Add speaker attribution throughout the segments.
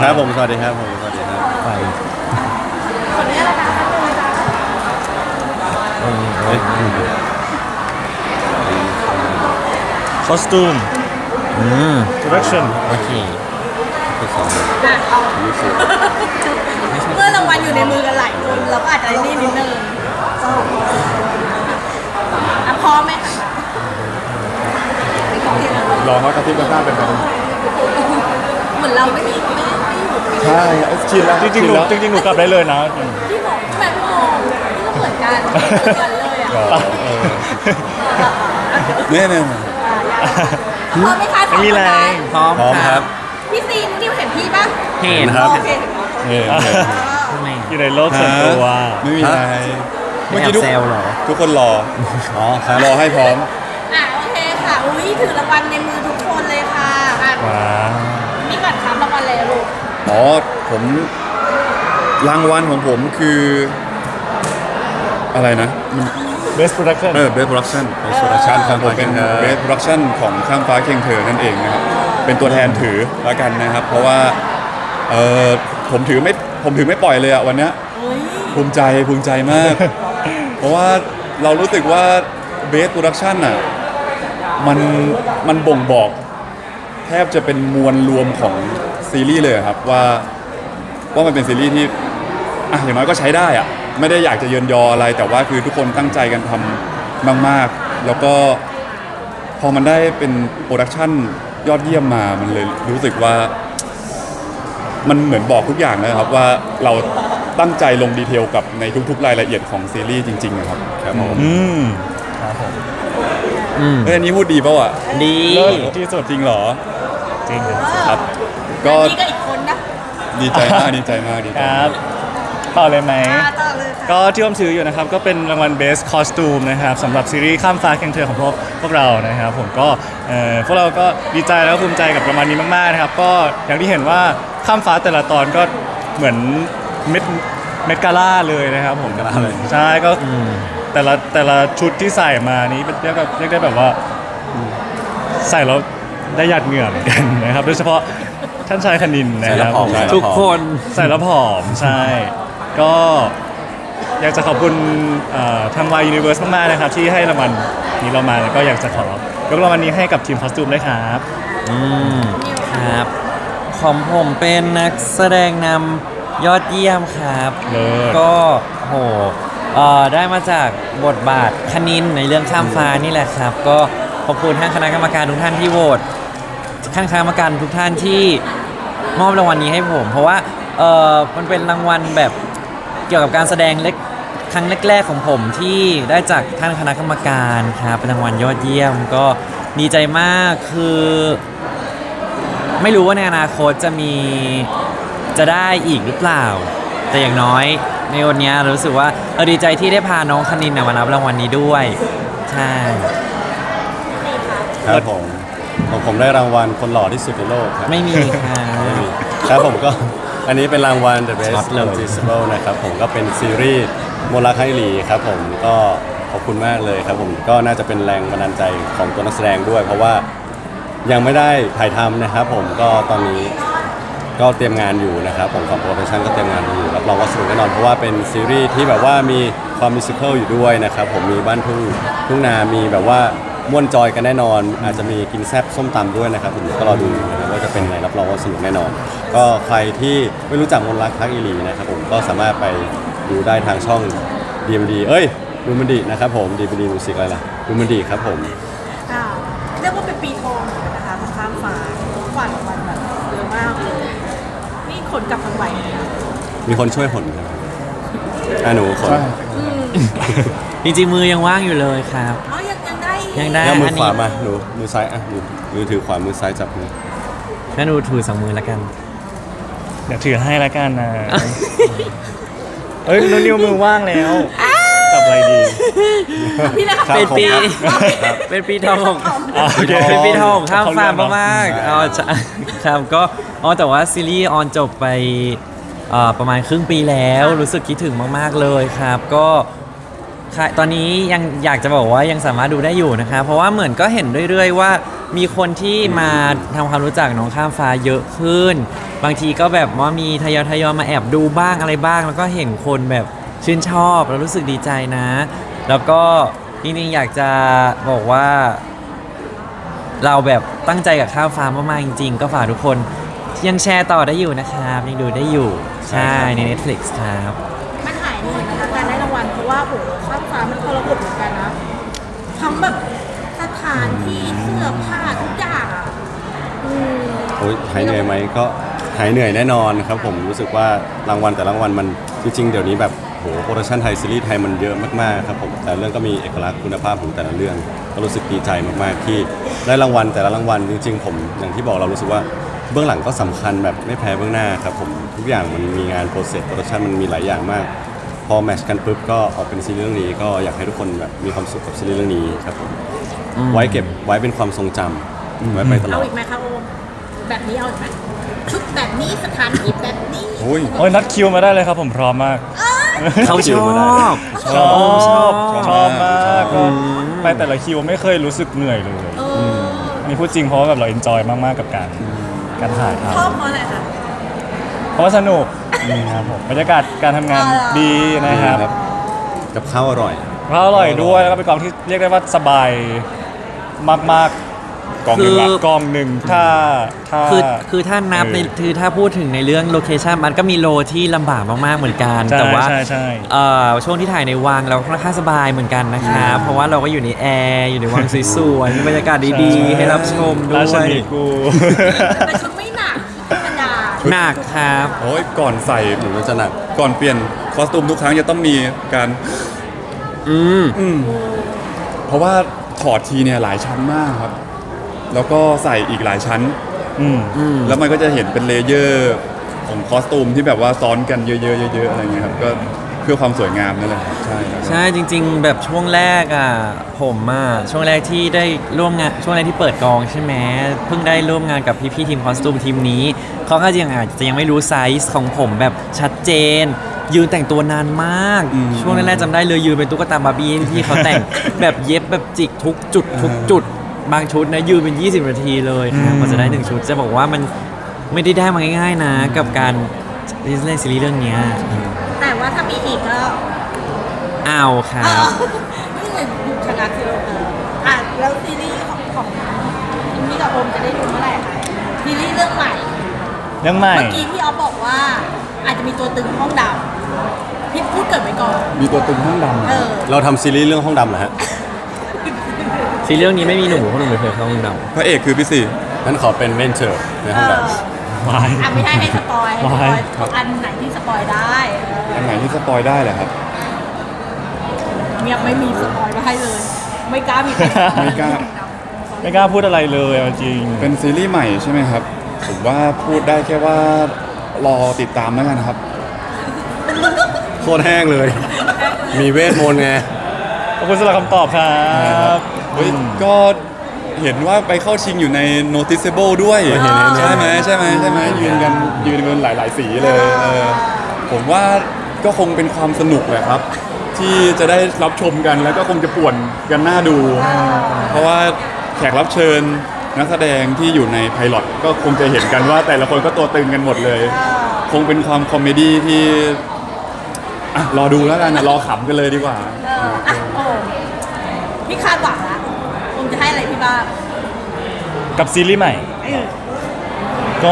Speaker 1: ครับผมสวัสดีครับผมสวัสดีครับ
Speaker 2: ไป
Speaker 3: คนนี้ละคะ
Speaker 2: คอสตูม direction
Speaker 1: โอเคไปสอง
Speaker 3: เมื่อรางวัลอยู่ในมือกันหลายคนเราก็อาจจะนี่นิดนึงพร้อมไหมคะ
Speaker 4: รอเขากระซิบกระซาบเป็นแบบ
Speaker 3: เหมือนเราไม่อยู่
Speaker 4: ใช่ชินแล้ว
Speaker 2: จริงๆหนู
Speaker 4: แล้ว
Speaker 2: จริงๆหนูกลับได้เลยนะ
Speaker 3: ที่บอกแบบงงที่ก็เหมือนกันเลยอ่ะ
Speaker 1: เนี่ย
Speaker 3: พร้อมไหมคะ
Speaker 2: ไม่มีแรง
Speaker 1: พร้อมครับ
Speaker 3: พี่ซีนิวเห็นพี่ปะ
Speaker 1: เห็นครับ
Speaker 3: โอเค
Speaker 2: อยู่ในโลกส่วนตัว
Speaker 4: ไม่มีอะไร
Speaker 1: เมื่อกี้ทุก
Speaker 4: ทุกคนรอ
Speaker 1: อ๋อครับ
Speaker 4: รอให้พร้อม
Speaker 3: โอเคค่ะอุ้ยถือรางวัลในมือทุกคนเลยค่ะ
Speaker 2: ว้าว
Speaker 3: นี่ก่อนครับรางวัลอะไรลูก
Speaker 4: อ๋อผมรางวัลของผมคืออะไรนะ
Speaker 2: Best Production
Speaker 4: Best Production
Speaker 1: Best Production
Speaker 4: ของผมเป็น
Speaker 1: ครับ
Speaker 4: Best Production ของข้ามฟ้าเคียงเธอนั่นเองนะครับเป็นตัวแทนถือแล้วกันนะครับ เพราะว่าผมถือไม่ปล่อยเลยอะวันเนี้ย
Speaker 3: อุ้ย
Speaker 4: ภูมิใจมาก เพราะว่าเรารู้สึกว่า Best Production อ่ะมันบ่งบอกแทบจะเป็นมวลรวมของซีรีส์เลยครับว่ามันเป็นซีรีส์ที่อย่างน้อยก็ใช้ได้อะไม่ได้อยากจะเยินยออะไรแต่ว่าคือทุกคนตั้งใจกันทำมากๆแล้วก็พอมันได้เป็นโปรดักชั่นยอดเยี่ยมมามันเลยรู้สึกว่ามันเหมือนบอกทุกอย่างนะครับว่าเราตั้งใจลงดีเทลกับในทุกๆรายละเอียดของซีรีส์จริงๆนะครับครับผม
Speaker 2: ครับผม
Speaker 4: อันนี้พูดดีป่าวอ่ะ
Speaker 1: ดี
Speaker 4: เลิศที่สุดจริงเหรอ
Speaker 2: จริง
Speaker 4: ครับ ก็
Speaker 3: นี่ก็อีกคนนะ
Speaker 4: ดีใจมากดีใจมาก
Speaker 2: ครับต่อเลยไหม
Speaker 3: ต่อเลยค่ะ
Speaker 2: ก็ที่ผมถืออยู่นะครับก็เป็นรางวัล Best Costume นะครับสำหรับซีรีส์ข้ามฟ้าเคียงเธอของพวกเรานะครับผมก็พวกเราก็ดีใจแล้วก็ภูมิใจกับรางวัลนี้มากๆนะครับก็อย่างที่เห็นว่าข้ามฟ้าแต่ละตอนก็เหมือนเม็ดกาล่าเลยนะครับผม
Speaker 1: เม็ดกาล่าเลย
Speaker 2: ใช่ก็แต่ละชุดที่ใส่มานี้เรียกได้แบบว่าใส่แล้วได้หยาดเหงื่อเหมือนกันนะครับโดยเฉพาะท่านชายคณินนะครับ
Speaker 1: ทุกคน
Speaker 2: ใส่แล้วผอมใช่ ก็อยากจะขอบคุณทาง Y Universe มากๆนะครับที่ให้รางวัลนี้เรามาแล้วก็อยากจะขอยกรางวัลนี้ให้กับทีมคอสตูมด้วยครับ
Speaker 5: ครับของผมเป็นนักแสดงนำยอดเยี่ยมครับ
Speaker 2: เลิศ
Speaker 5: ก็โหได้มาจากบทบาทคณินในเรื่องข้ามฟ้านี่แหละครับ ก็ขอบคุณท่านคณะกรรมการทุกท่านที่โหวตท่านคณะกรรมการทุกท่านที่มอบรางวัลนี้ให้ผม เพราะว่ามันเป็นรางวัลแบบเกี่ยวกับการแสดงครั้งแรกๆของผมที่ได้จากท่านคณะกรรมการครับเป็นรางวัลยอดเยี่ยมก็ดีใจมากคือไม่รู้ว่าในอนาคตจะได้อีกหรือเปล่า แต่อย่างน้อยในวันนี้รู้สึกว่าดีใจที่ได้พาน้องคณินมารับรางวัลนี้ด้วยใช่
Speaker 1: ครับผมได้รางวัลคนหล่อที่สุดในโลกครับ
Speaker 5: ไม่มีค่ะ
Speaker 1: ไม่มีครับผมก็อันนี้เป็นรางวัล The
Speaker 5: ช็อ
Speaker 1: Best
Speaker 5: ตเลย
Speaker 1: Noticeable นะครับผมก็เป็นซีรีส์โมลาคาอิลีครับผมก็ขอบคุณมากเลยครับผมก็น่าจะเป็นแรงบันดาลใจของตัวนักแสดงด้วย เพราะว่ายังไม่ได้ถ่ายทำนะครับผมก็ตอนนี้ก็เตรียมงานอยู่นะครับผมของโปรดักชั่นก็เตรียมงานอยู่รับรองว่าสนุกแน่นอนเพราะว่าเป็นซีรีส์ที่แบบว่ามีความมิวสิคัลอยู่ด้วยนะครับผมมีบ้านทุ่งนามีแบบว่าม่วนจอยกันแน่นอน อาจจะมีกินแซ่บส้มตำด้วยนะครับผมก็รอดูนะครับว่าจะเป็นไงรับรองว่าสนุกแน่นอน ก็ใครที่ไม่รู้จักมนต์รักพักอีหลีนะครับผมก็สามารถไปดูได้ทางช่อง DMD ดูมันดีนะครับผม DMD Music อะไรล่ะดูมันดีครับผม
Speaker 3: เรียกว่าเป็นปีทองเหมือนกันนะคะของข้ามฟ้าฝันวันแบบเยอะมากเลยนี่ขนกลับทางไหวเลยนะ
Speaker 1: มีคนช่วยผลครับหนูขน
Speaker 5: จริงๆมือยังว่างอยู่เลยครับ
Speaker 3: อ๋อยังได้อีก
Speaker 5: ยังได้
Speaker 1: แล้วมือ
Speaker 5: อัน
Speaker 1: ข
Speaker 5: นี้
Speaker 1: วามาหนูมือซ้ายหนูมือถือขวามือซ้ายจับมือ
Speaker 5: งั้นหนูถือ2 มือแล้วกัน
Speaker 2: เดี๋ยวถือให้แล้วกันนะ นุ่นนิวมือว่างแล้วจับอะไรดี
Speaker 3: พี่นะคะ
Speaker 1: ครับ
Speaker 5: เป็นปี
Speaker 1: ผมครับ
Speaker 5: เป็นปีทองของ
Speaker 2: โอเค
Speaker 5: เป็นปีทองของข้ามฟ้า
Speaker 2: เขาเรียกเนอะ
Speaker 5: มากๆใช่ครับก็แต่ว่าซีรีส์ออนจบไปประมาณครึ่งปีแล้วรู้สึกคิดถึงมากๆเลยครับก็ตอนนี้ยังอยากจะบอกว่ายังสามารถดูได้อยู่นะครับเพราะว่าเหมือนก็เห็นเรื่อยๆว่ามีคนที่มาทำความรู้จักน้องข้ามฟ้าเยอะขึ้น บางทีก็แบบว่ามีทยอยมาแอบดูบ้างอะไรบ้าง แล้วก็เห็นคนแบบชื่นชอบแล้วรู้สึกดีใจนะ แล้วก็จริงๆอยากจะบอกว่า เราแบบตั้งใจกับข้ามฟ้ามากๆจริงๆก็ฝากทุกคนยังแชร์ต่อได้อยู่นะครับยังดูได้อยู่ใช่ใน Netflix ครับ
Speaker 3: มันหายเหนื่อยนะคะการได้รางวัลเพราะว่าโหข้ามฟ้ามันทรหดเหมือนกันนะทั้งแบบสถานที่เสื้อผ้าทุกอย่างอ่ะอืม
Speaker 1: โอ้ยหายเหนื่อยไหมก็หายเหนื่อยแน่นอนครับผมรู้สึกว่ารางวัลแต่ละรางวัลมันจริงๆเดี๋ยวนี้แบบโหโปรดักชันไทยซีรีส์ไทยมันเยอะมากๆครับผมแต่เรื่องก็มีเอกลักษณ์คุณภาพของแต่ละเรื่องก็รู้สึกดีใจมากๆที่ได้รางวัลแต่ละรางวัลจริงๆผมอย่างที่บอกเรารู้สึกว่าเบื้องหลังก็สำคัญแบบไม่แพ้เบื้องหน้าครับผมทุกอย่างมันมีงานโปรเซสโปรดักชันมันมีหลายอย่างมาก พอแมทช์กันปุ๊บก็ออกเป็นซีรีส์เรื่องนี้ก็อยากให้ทุกคนแบบมีความสุขกับซีรีส์เรื่องนี้ครับผมไว้เก็บไว้เป็นความทรงจำไว้ไปตล
Speaker 3: เอา
Speaker 1: อด
Speaker 3: อีกไหมคะโอมแบบนี้เอาอีกไหมชุดแบบนี้สถานที่แบบนี้
Speaker 4: โอ้ย
Speaker 2: โอ้ยนัดคิวมาได้เลยครับผมพร้อมมาก
Speaker 5: เขาชอบ
Speaker 2: ชอบ
Speaker 4: ช
Speaker 2: ช
Speaker 4: อ
Speaker 2: อ
Speaker 4: บบ
Speaker 2: มาก
Speaker 4: ชอบ
Speaker 2: ก็ไปแต่ละคิวไม่เคยรู้สึกเหนื่อยเลย
Speaker 3: เออ
Speaker 2: นี่พูดจริงเพราะว่าแบบเราเอนจอยมากๆกับการถ่ายท
Speaker 3: ชอบเพราะอะไรคะ
Speaker 2: ำเพราะว่าสนุกครับผมบรรยากาศการทำงานดีนะครับ
Speaker 1: ครับ กับข้าวอร่อย
Speaker 2: เพราะอร่อยด้วยแล้วก็เป็นกองที่เรียกได้ว่าสบายมาก
Speaker 4: กองหนึ่งละ
Speaker 2: ๆกองหนึ่งถ้า
Speaker 5: คือถ้านับในคือถ้าพูดถึงในเรื่องโลเคชันมันก็มีโลที่ลำบากมากๆเหมือนกัน
Speaker 2: ใช่
Speaker 5: แต่ว่า
Speaker 2: ใช่
Speaker 5: ช่วงที่ถ่ายในวังเราค่อนข้างสบายเหมือนกันนะครับเพราะว่าเราก็อยู่ในแอร์อยู่ในวังสวยๆมีบรรยากาศดีๆ ให้รับชมด้
Speaker 2: ราช
Speaker 5: วย
Speaker 2: นีกู
Speaker 3: แต่ชุดไม่หนักชุดธรรมดา
Speaker 5: หนักครับ
Speaker 4: โอ้ยก่อนใส่
Speaker 1: หรือว่าจะหนัก
Speaker 4: ก่อนเปลี่ยนคอสตูมทุกครั้งจะต้องมีการ
Speaker 5: อืม
Speaker 4: เพราะว่าถอดทีเนี่ยหลายชั้นมากครับ แล้วก็ใส่อีกหลายชั้น
Speaker 2: อืม
Speaker 4: แล้วมันก็จะเห็นเป็นเลเยอร์ของคอสตูมที่แบบว่าซ้อนกันเยอะๆเยอะๆอะไรเงี้ยครับก็เพื่อความสวยงามนั่นแหละครับใช่ครับ
Speaker 5: ใช่จริง ๆ แบบช่วงแรกอ่ะผมอ่ะช่วงแรกที่ได้ร่วมงานช่วงแรกที่เปิดกองใช่ไหมเพิ่งได้ร่วมงานกับพี่ๆทีมคอสตูมทีมนี้เขาก็ยังอาจจะยังไม่รู้ไซส์ของผมแบบชัดเจน ยืนแต่งตัวนานมาก ช่วงแรกๆจำได้เลยยืนเป็นตุ๊กตาบาร์บี้ที่เขาแต่ง แบบเย็บแบบจิกทุกจุดบางชุดนะยืนเป็น 20 นาทีเลยครับกว่าจะได้1ชุดจะบอกว่ามันไม่ได้มาง่ายๆนะ กับการเล่นซีรีส์เรื่องเนี้ย
Speaker 3: แต่ว่าถ้ามีอีกก็
Speaker 5: เอาครับ
Speaker 3: นี่เลยดูชนะคืออ่ะแล้วซีรีส์ของนี่กับโอมจะได้ดูเมื่อไหร่คะซีรีส์เรื่องใหม่
Speaker 2: ยังใหม่
Speaker 3: เมื่อกี้พี่ออฟบอกว่าอาจจะมีตัวตึงห้องดำพี่พูดเกิดไว้ก่อน
Speaker 4: มีตัวตึงห้องด
Speaker 3: เออ
Speaker 1: เราทำซีรีส์เรื่องห้องดำเหรอฮะ
Speaker 5: ซีรีส์เรื่องนี้ไม่มีหนูเพราะหนูไม่เคยเข้าห้องด
Speaker 4: ำพระเอกคือพี่สี่
Speaker 1: งั้นขอเป็นเวนเจอร์ใน
Speaker 3: เอ
Speaker 1: ห้องด
Speaker 3: อ
Speaker 2: ไม่
Speaker 3: อ่ะไม่ให้สปอยให้สปอย
Speaker 4: ครับ
Speaker 3: อันไหนที่สปอยได้เออ
Speaker 4: อันไหนที่สปอยได้เหรอครับ
Speaker 3: เงียบไม่มีสปอยมาให้เลย ไม่กล้ามี
Speaker 4: ไม่กล้า
Speaker 2: ไม่กล้าพูดอะไรเลยเอาจริง
Speaker 4: เป็นซีรีส์ใหม่ใช่ไหมครับ ผมว่าพูดได้แค่ว่ารอติดตามแล้วกันครับ
Speaker 1: ำโคตรแห้งเลย มีเวทมนต์ไง
Speaker 2: ขอบคุณสำหรับคำตอบครับ
Speaker 4: เฮ้ยก็เห็นว่าไปเข้าชิงอยู่ใน noticeable ด้วย
Speaker 1: เห็น
Speaker 4: ใช่ไหมยืนกันหลาย ๆ สีเลยผมว่าก็คงเป็นความสนุกแหละครับ ที่จะได้รับชมกันแล้วก็คงจะป่วนกันหน้าดู เพราะว่าแขกรับเชิญนักแสดงที่อยู่ในไพลอตก็คงจะเห็นกันว่าแต่ละคนก็ตัวตึงกันหมดเลย คงเป็นความคอมเมดี้ที่อ่ะรอดูแล้วกันนะรอขำกันเลยดีกว่า
Speaker 3: อ่ะโอ้พี่คาดหวังละผมจะให้อะไรพี่บ้าง
Speaker 2: กับซีรีส์ใหม่
Speaker 3: เออ
Speaker 2: ก็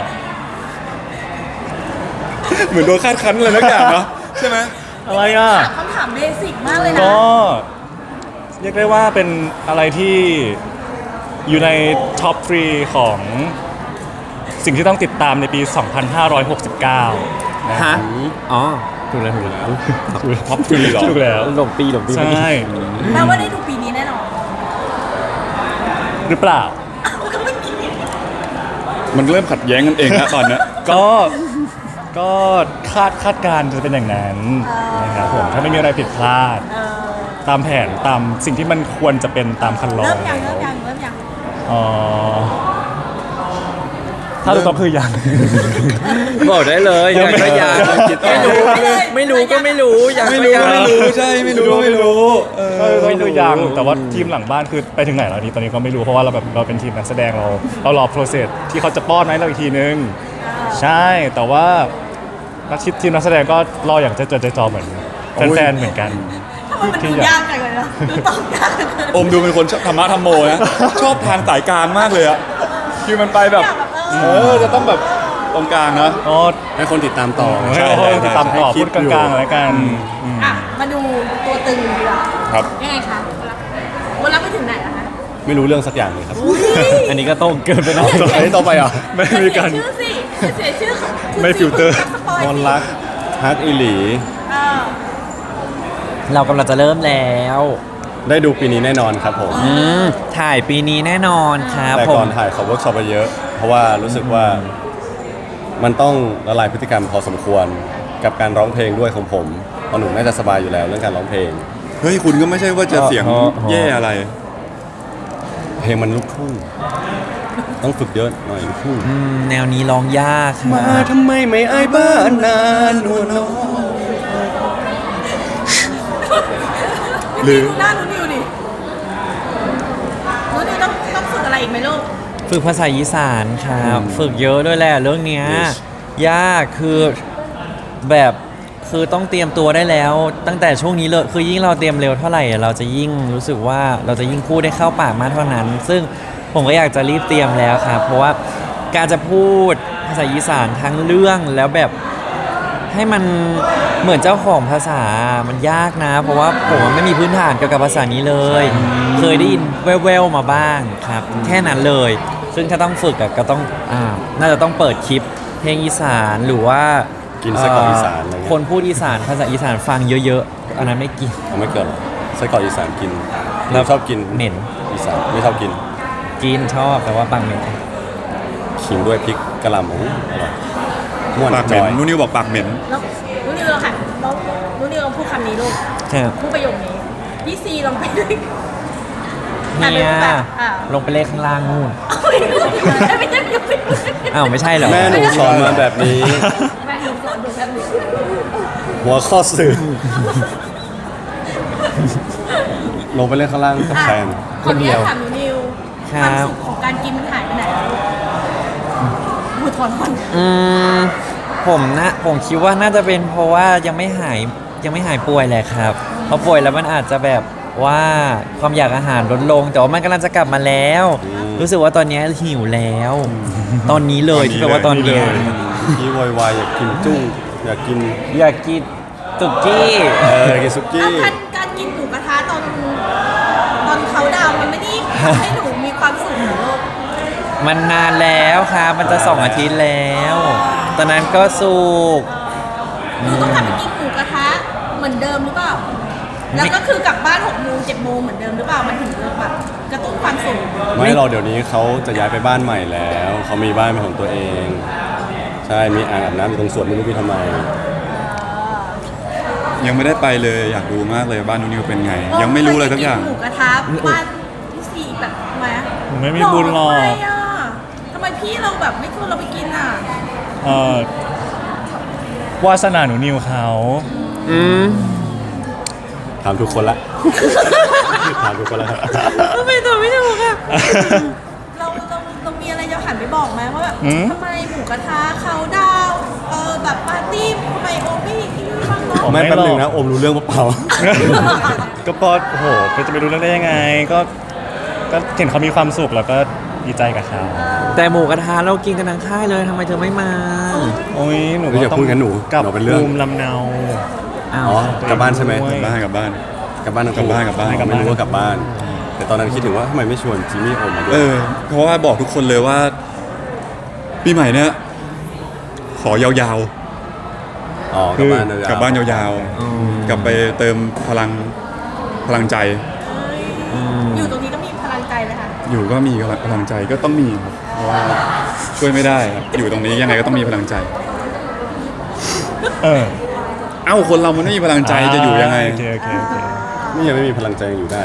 Speaker 4: เหมือนโดนคาดคั้นอะไรนักอย่างเนาะใช่ไหม
Speaker 2: อะไรอ่ะ
Speaker 3: ถามคำถามเบสิกมากเลยนะ
Speaker 2: ก็เรียกได้ว่าเป็นอะไรที่อยู่ในท็อป 3 ของสิ่งที่ต้องติดตามในปี 2569 นะ
Speaker 5: ำฮะอ๋อถูกแล้ว
Speaker 4: ท็อปทรีหรอ
Speaker 2: ถูกแล้ว
Speaker 5: หลบปี
Speaker 2: ใช่
Speaker 3: แปลว่าได้ดูปีนี้แน่นอน
Speaker 2: หรือเปล่า
Speaker 3: ก็ไม่คิด
Speaker 4: มันเริ่มขัดแย้งกันเองแล้วตอนเนี้ย
Speaker 2: ก็คาดการณ์จะเป็นอย่างนั้นนะครับผมถ้าไม่มีอะไรผิดพลาด
Speaker 3: เออ
Speaker 2: ตามแผนตามสิ่งที่มันควรจะเป็นตามคันลอง
Speaker 3: เริ่มยัง
Speaker 2: แล้ว
Speaker 3: เริ่มยัง
Speaker 2: อ๋อถ้าจะต้องคือยัง
Speaker 5: บอกได้เลยอยากก็อยากไม่รู้ไม่รู้ก็ไม่รู้อยาก
Speaker 4: ไม่
Speaker 5: ก็
Speaker 4: รู้
Speaker 5: อยาก
Speaker 4: ไม่รู้ใช่ไม่รู้ก็ไม่รู้เออ
Speaker 2: ไม่รู้ยังแต่ว่าทีมหลังบ้านคือไปถึงไหนแล้วนี่ตอนนี้ก็ไม่รู้เพราะว่าเราแบบเราเป็นทีมนักแสดงเรารอโปรเซสที่เขาจะป้อนให้เราอีกทีนึงใช่แต่ว่านักทีมนักแสดงก็รออย่างใจจดใจจ่อเหมือนแฟนๆเหมือนกัน
Speaker 3: ทำไมมันดูยากจังเลยนะดูตอบยากจังเลย
Speaker 4: อมดูเป็นคนชอบธรรมะธรรมโมนะ ชอบทางสายกลางมากเลยอะคือมันไปแบบจะต้องแบบตรงกลางนะ
Speaker 2: อ๋อ
Speaker 1: ให้คนติดตามต่อ
Speaker 2: ให้เราติดตามต่อพูดกลางๆแล้วกัน
Speaker 3: อ่ะมาดูตัวตึงดีกว่า
Speaker 4: ครับ
Speaker 3: ยังไงคะวันรับไปถึงไหนแล้วคะ
Speaker 1: ไม่รู้เรื่องสักอย่างเลยครับ
Speaker 5: อันนี้ก็โต้งเกินไปหน่อย
Speaker 1: อันนี้ต่อไปเหรอ
Speaker 2: ไม่มีการ
Speaker 3: เสียชื่อสิเสียชื่อของ
Speaker 2: ไม่ฟิลเตอร์
Speaker 3: สปอย
Speaker 1: ม
Speaker 3: สิ
Speaker 1: นรักฮักอีหลี
Speaker 3: เออ
Speaker 5: เรากำลังจะเริ่มแล้ว
Speaker 1: ได้ดูปีนี้แน่นอนครับผม
Speaker 5: ถ่ายปีนี้แน่นอนครับ
Speaker 1: แต่
Speaker 5: ผ
Speaker 1: ก่อ
Speaker 5: ม
Speaker 1: นถ่ายขอเวิร์กช็อปไปเยอะ เพราะว่ารู้สึกว่ามันต้องละลายพฤติกรรมพอสมควรกับการร้องเพลงด้วยของผมเพราะหนูน่าจะสบายอยู่แล้วเรื่องการร้องเพลง
Speaker 4: เฮ้ยคุณก็ไม่ใช่ว่าจะเสียงแย่อะไร
Speaker 1: เพลงมันลูกทุ่งต้องฝึกเยอะหน่อยลูกทุ่ง
Speaker 5: แนวนี้ร้องยากค
Speaker 1: มา
Speaker 5: รับ
Speaker 1: ทำไมไม่อายบ้านนานนวลน้อง
Speaker 4: หรือ
Speaker 3: หน้าหนูนิวดิหนูนิวต้องฝึกอะไรอีกไหมลูก
Speaker 5: ฝึกภาษาอีสานครับ ฝึกเยอะด้วยแหละเรื่องเนี้ยยากคือแบบคือต้องเตรียมตัวได้แล้ว ตั้งแต่ช่วงนี้เลยคือยิ่งเราเตรียมเร็วเท่าไหร่เราจะยิ่งรู้สึกว่าเราจะยิ่งพูดได้เข้าปากมากเท่านั้น ซึ่งผมก็อยากจะรีบเตรียมแล้วครับ เพราะว่าการจะพูดภาษาอีสานทั้งเรื่องแล้วแบบให้มันเหมือนเจ้าของภาษามันยากนะ เพราะว่าผมไม่มีพื้นฐานเกี่ยวกับภาษานี้เลย เคยได้ยินแว่วๆมาบ้างครับ แค่นั้นเลย ซึ่งถ้าต้องฝึกอะก็ต้องน่าจะต้องเปิดคลิปเพลงอีสานหรือว่า
Speaker 1: กินไส้กรอกอีสานอะไรเงี้ย
Speaker 5: คนพูดอีสานภาษาอีสานฟังเยอะๆ อันนั้นไม่กิน
Speaker 1: เอาไม่เกินหรอกไส้กรอกอีสานกิน
Speaker 5: แล้ว
Speaker 1: ชอบกิน
Speaker 5: เหม็น
Speaker 1: อีสานไม่ชอบกิน
Speaker 5: กินชอบแต่ว่าบางเหม็น
Speaker 1: ขิงด้วยพริกกะหล่ำโอ้โหอร่อยม่วน
Speaker 4: ปากเห
Speaker 1: จ
Speaker 4: ม็น
Speaker 1: อย
Speaker 4: นุ่นนิวบอกปากเหม็น
Speaker 3: แล้วหนูนิวลองค่ะหนูนิวลองพูดคำนี้ลูก
Speaker 5: ครับ
Speaker 3: พูดประโยคนี้พี่ซีลองไปด้วย
Speaker 5: เนี่ย
Speaker 3: อ่ะ
Speaker 5: ลงไปเลขข้างล่างนู่น
Speaker 3: ไม่ใช่ไม่ใช่ไม่ใช่
Speaker 5: อ้าวไม่ใช่เหรอ
Speaker 1: แม่หนูสอนมาแบบนี้
Speaker 3: แม่หนูสอนหนูแบบนี้
Speaker 1: หัวข้อสื่อ ลงไปเล่นข้างล่างกับแฟน
Speaker 5: คนเดียว
Speaker 3: ขออญาตถามหนูนิว
Speaker 5: ค
Speaker 3: ค
Speaker 5: รั
Speaker 3: วาม
Speaker 5: บ
Speaker 3: สุขของการกินมันหายไปไหนแล้วลูกถอน
Speaker 5: ผมคิดว่าน่าจะเป็นเพราะว่ายังไม่หายป่วยแหละครับพอป่วยแล้วมันอาจจะแบบว่าความอยากอาหารลดลง แต่ว่ามันกำลังจะกลับมาแล้ว รู้สึกว่าตอนนี้หิวแล้ว ตอนนี้เลยที่แปลว่าตอนเนี้ย
Speaker 1: พี่วอยวายอยากกินจุ้งอยากกิน
Speaker 5: อยากกินตุกกี้
Speaker 1: อยากกินซุกี้
Speaker 3: การกินหมูกระทะตอนเขาดาวน์มันไม่ได้ทำให้หนูมีความสุขเหรอลูก
Speaker 5: มันนานแล้วครับมันจะ2 อาทิตย์แล้ว ตอนนั้นก็สุก
Speaker 3: หนูต้องกลับไปกินหมูกระทะเหมือนเดิมหรือเปล่า แล้วก็คือกลับบ้าน6 โมง 7 โมงเหมือนเดิมหรือเปล่า มันถึงจะแบบกระตุ้นความสุข
Speaker 1: ไม่เราเดี๋ยวนี้เขาจะย้ายไปบ้านใหม่แล้วเขามีบ้านเป็นของตัวเอง ใช่มีอ่างอาบน้ำอยู่ตรงสวนไม่รู้พี่ทำไม
Speaker 4: ยังไม่ได้ไปเลยอยากดูมากเลยบ้านนุ่นนิวเป็นไง ยังไม่รู้เลยสักอย่าง
Speaker 3: หมูกระทะบ้านพี่ซีแบบทำไมอะ
Speaker 2: ไม่มีบุญหรอก
Speaker 3: ทำไมอะทำไมพี่เราแบบไม่ชวนเราไปกินอ่ะ
Speaker 2: วาสนาหนูนิวเขา
Speaker 1: ถามทุกคนละ ถามทุกคนละครับ
Speaker 3: ทำไมตัวไม่ถูกอะเรามีอะไรจะหันไปบอกไหมว่าแบบทำไมหมูกระทะเขาดาวน์แบบปาร์ตี้ทำไมโอไม่กินบ้างเนาะ
Speaker 1: ไม่แป๊บนึงนะอมรู้เรื่องเปล่า
Speaker 2: ก็พอโอ้โหจะไปรู้เรื่องได้ยังไง ก็เห็นเขามีความสุขแล้วก็ดีใจกับเขา
Speaker 5: แต่หมูกระทะเรากินกันทั้งค่ายเลยทำไมเธอไม่มา
Speaker 2: โอ้ยหนู
Speaker 1: อย่าพูดงั้นหนู
Speaker 2: กลับ
Speaker 1: หนูเป็นเรื่อง
Speaker 2: ภูมิลำเนา
Speaker 5: อ้าว
Speaker 1: อ๋อกลับบ้านใช่ไหม
Speaker 2: ด้วย
Speaker 4: กลับบ้าน
Speaker 1: กลับบ้านทั้งคู่
Speaker 4: กลับบ้าน
Speaker 1: ไม่รู้ว่ากลับบ้าน แต่ตอนนั้นคิดถึงว่าทำไมไม่ชวนจิมมี่อมมาด้ว
Speaker 4: เอย อเพราะว่าบอกทุกคนเลยว่า ปีใหม่เนี้ยขอยาว
Speaker 1: อ๋อกลับบ้านเลย
Speaker 4: ๆกลับบ้านยาวๆกลับไปเติมพลังใจ
Speaker 3: อยู่ตรงนี้ก็มีพลังใจเลยค่ะ
Speaker 4: อยู่ก็มีพลังใจก็ต้องมีครับเพราะว่าช่วยไม่ได้ครับอยู่ตรงนี้ยังไงก็ต้องมีพลังใจ
Speaker 2: เออ
Speaker 4: เอ้าคนเรามันไม่มีพลังใจจะอยู่ยังไง
Speaker 2: โอเคโอเค
Speaker 1: นี่ยังไม่มีพลังใจยังอยู่ได้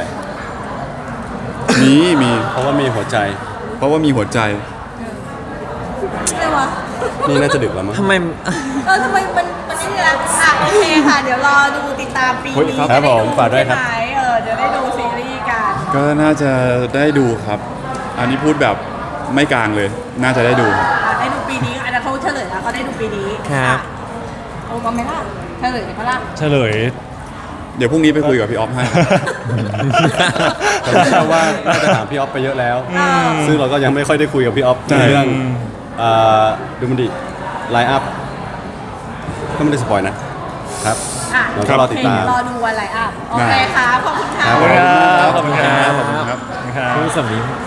Speaker 4: มี
Speaker 1: เพราะว่ามีหัวใจ
Speaker 4: เพราะว่ามีหัวใจ
Speaker 3: เลยวะ
Speaker 1: นี่น่าจะดึกแล้วมั้ง
Speaker 5: ทำไม
Speaker 3: ทำไมมันนี่ละโอเคค่ะ เดี๋ยวรอดูติดตามปี
Speaker 4: เฮ้ย
Speaker 3: นี้
Speaker 1: ครับผมฝากด้วยครับ
Speaker 3: ใช่ไหมเดี๋ยวได้ดูซีรีส์กัน
Speaker 4: ก็น่าจะได้ดูครับ อันนี้พูดแบบไม่กลางเลย น่าจะได้ดู
Speaker 3: ได้ดูปีนี้อันนั้นเขาเฉลยแล้วเขาได้ดูปีนี้
Speaker 5: ครับ
Speaker 3: โอ้มาไหมล่ะเฉลยไหมล่ะ
Speaker 2: เฉลย
Speaker 4: เดี๋ยวพรุ่งนี้ไปคุยกับพี่ออฟให้
Speaker 1: แต่ผมเชื่อว่าน่าจะถามพี่ออฟไปเยอะแล้ว ซึ่งเราก็ยังไม่ค่อยได้คุยกับพี่ออฟ
Speaker 4: ใช่
Speaker 1: ในเรื่องดูมันดิไลน์อัพก็ไม่ได้สปอยนะครับ
Speaker 3: อ่ะ
Speaker 1: เราก็รอติดตาม
Speaker 3: รอดูวันไลน์อัพโอเคค่ะขอบคุณค่ะ
Speaker 1: ครับ
Speaker 2: ขอบคุณครับ
Speaker 4: ขอบคุณครับ
Speaker 2: ครับ
Speaker 5: ผู้สำลี